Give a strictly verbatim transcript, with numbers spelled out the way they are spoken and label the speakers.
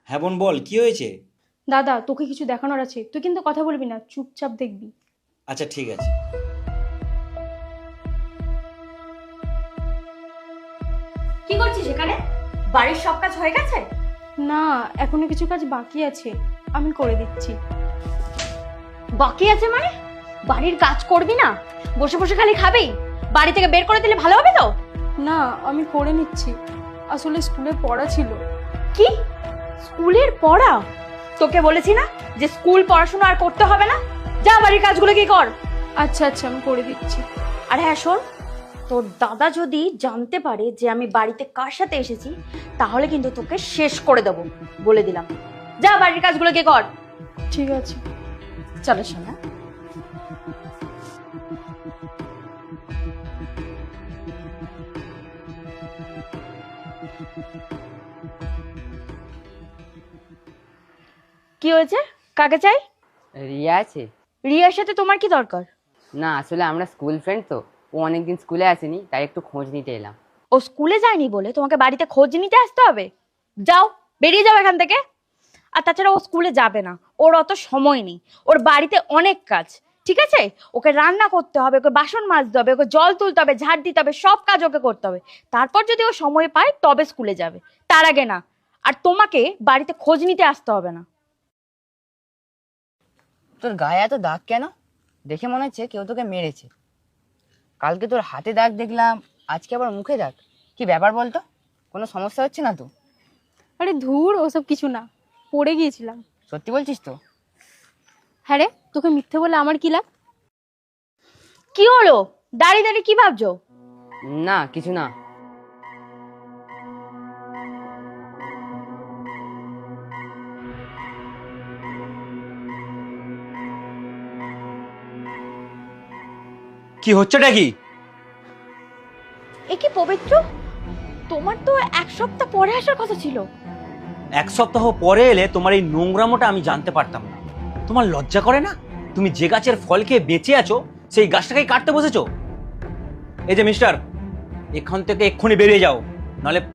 Speaker 1: হ্যাঁ বোন, বল কি হয়েছে?
Speaker 2: দাদা, তোকে কিছু দেখানোর আছে, তুই কিন্তু কথা বলবি না, চুপচাপ দেখবি।
Speaker 1: আচ্ছা ঠিক আছে।
Speaker 3: কি করছিস এখানে? বাড়ির সব কাজ হয়ে গেছে?
Speaker 2: না, এখনো কিছু কাজ বাকি আছে, আমি করে দিচ্ছি।
Speaker 3: বাকি আছে মানে? বাড়ির কাজ করবি না, বসে বসে খালি খাবি? বাড়ি থেকে বের করে দিলে ভালো হবে তো?
Speaker 2: না, আমি করে নিচ্ছি, আসলে স্কুলে পড়া ছিল।
Speaker 3: কি? স্কুলের পড়া? তোকে বলেছি না যে স্কুল পড়াশোনা আর করতে হবে না? যা বাড়ির কাজগুলো কি কর।
Speaker 2: আচ্ছা আচ্ছা, আমি করে দিচ্ছি।
Speaker 3: আর হ্যাঁ শোন, তোর দাদা যদি জানতে পারে যে আমি বাড়িতে কার সাথে এসেছি, তাহলে কিন্তু তোকে শেষ করে দেবো, বলে দিলাম। যা বাড়ির কাজগুলো কি কর।
Speaker 2: ঠিক আছে।
Speaker 3: চলো শোনা। কি হয়েছে? কাকে চাই?
Speaker 4: রিয়া আছে?
Speaker 3: রিয়ার সাথে তোমার কি দরকার?
Speaker 4: না আসলে আমরা স্কুল ফ্রেন্ড তো, ও অনেকদিন স্কুলে আসেনি, তাই একটু খোঁজ নিতে এলাম।
Speaker 3: ও স্কুলে যায়নি বলে তোমাকে বাড়িতে খোঁজ নিতে আসতে হবে? যাও, বেরিয়ে যাও এখান থেকে। আর তাছাড়া ও স্কুলে যাবে না, ওর অত সময় নেই, ওর বাড়িতে অনেক কাজ। ঠিক আছে, ওকে রান্না করতে হবে, ওকে বাসন মাজতে হবে, ওকে জল তুলতে হবে, ঝাড় দিতে হবে, সব কাজ ওকে করতে হবে। তারপর যদি ও সময় পায় তবে স্কুলে যাবে, তার আগে না। আর তোমাকে বাড়িতে খোঁজ নিতে আসতে হবে না।
Speaker 4: তোর গায়ে এত দাগ কেন? দেখে মনে হচ্ছে কেউ তোকে মেরেছে। কালকে তোর হাতে দাগ দেখলাম, আজকে আবার মুখে দাগ। কি ব্যাপার বলতো? কোনো সমস্যা হচ্ছে না তো?
Speaker 2: আরে ধুর, ওসব কিছু না, পড়ে গিয়েছিলাম।
Speaker 4: সত্যি বলছিস তো?
Speaker 2: হ্যাঁ রে, তোকে মিথ্যে বলে আমার কি লাভ?
Speaker 3: কি হলো? দাঁড়িয়ে দাঁড়িয়ে কি ভাবছো?
Speaker 4: না কিছু না।
Speaker 1: কি হচ্ছেটা কি?
Speaker 3: এ কি পবিত্র, তোমার তো এক সপ্তাহ পরে আসার কথা ছিল।
Speaker 1: এক সপ্তাহ পরে এলে তোমার এই নোংরামোটা আমি জানতে পারতাম না। তোমার লজ্জা করে না? তুমি যে গাছের ফল খেয়ে বেঁচে আছো সেই গাছটাকেই কাটতে বসেছো। এই যে মিস্টার, এখান থেকে এক্ষুনি বেরিয়ে যাও, নাহলে